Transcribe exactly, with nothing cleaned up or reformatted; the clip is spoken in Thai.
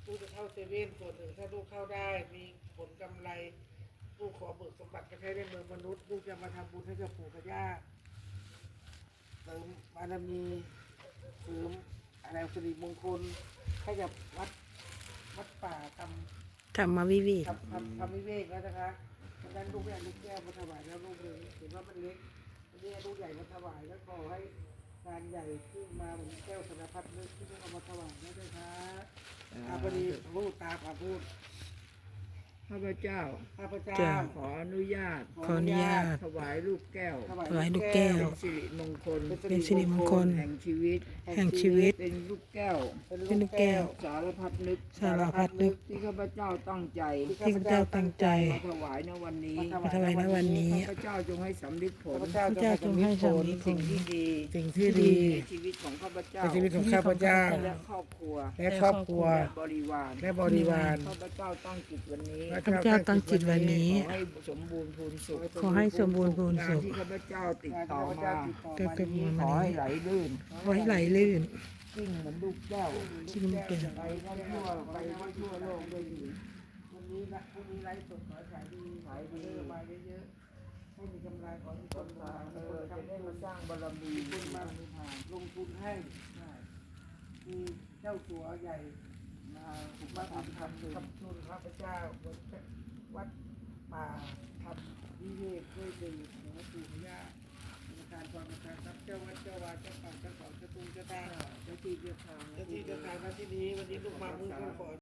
ลูกจะเข้าเซเว่นส่วนหนึ่งถ้าลูกเข้าได้มีผลกำไรลูกขอเบิกสมบัติไปใช้ในเมืองมนุษย์ลูกจะมาทำบุญให้กับปู่กับย่าเสริมบารมีเสริมอะไรสิริมงคลให้กับวัดวัดป่าทำธรรมวิเวกทำทำทำวิเวกแล้วนะคะดังนั้นลูกไม่เอาลูกแก้วมาถวายแล้วลูกเลยเห็นว่ามันเล็กอันนี้ลูกใหญ่มาถวายแล้วขอให้งานใหญ่ขึ้นมาเหมือนแก้วธนพัฒน์นึกที่ลูกเอามาถวายนะด้วยค่ะอาพอดีพูดตาผาพูดข้าพเจ้าข้าพเจ้าขออนุญาตขออนุญาตถวายลูกแก้วถวายลูกแก้วเป็นสิริมงคลเป็นสิริมงคลแห่งชีวิตแห่งชีวิตเป็นลูกแก้วเป็นลูกแก้วสารพัดนึกสารพัดนึกที่ข้าพเจ้าตั้งใจที่ข้าพเจ้าตั้งใจมาถวายในวันนี้มาถวายในวันนี้ข้าพเจ้าจงให้สำลิดผลข้าพเจ้าพระเจ้าจงให้สำลิดผสิ่งลที่ดีสิ่งที่ดีในชีวิตของข้าพเจ้าในชีวิตของข้าพเจ้าและครอบครัวและครอบครัวและบริวารและบริวารข้าพเจ้าตั้งจิตวันนี้ข้าพเจ้าตั้งจิตวันนี้ขอให้สมบูรณ์พูนสุขขอให้สมบูรณ์พูนงานสุขที่ข้าพเจ้าติดต่อมาก็เกิดมาขอให้ไหลลื่นขอให้ไหลลื่นกิ้งเหมือนลูกแก้วที่มันเป็นไปได้ทั่วไปได้ทั่วโลกได้ดีวันนี้นะพรุ่งนี้ไลฟ์สดขอให้ขายดีขายดีมาเยอะๆให้มีกำไรขอให้มีคนมาเอมีคอน จะทำได้บุมาญสร้างบารมีมีคนมาลงทุนให้มีเจ้าสัวใหญ่มาถูกมาทำทำทำทุนพระเจ้าวัดวัดป่าทำวิเวกด้วยดีหลวงปู่พญาในการความประการทรัพย์เจ้าวัดเจ้าวาเจ้าป่าเจ้าเขาเจ้าตูเจ้าตาเจ้าที่เจ้าทางเจ้าที่เจ้าทางหน้าที่นี้วันนี้ลูกมามือก็ขอ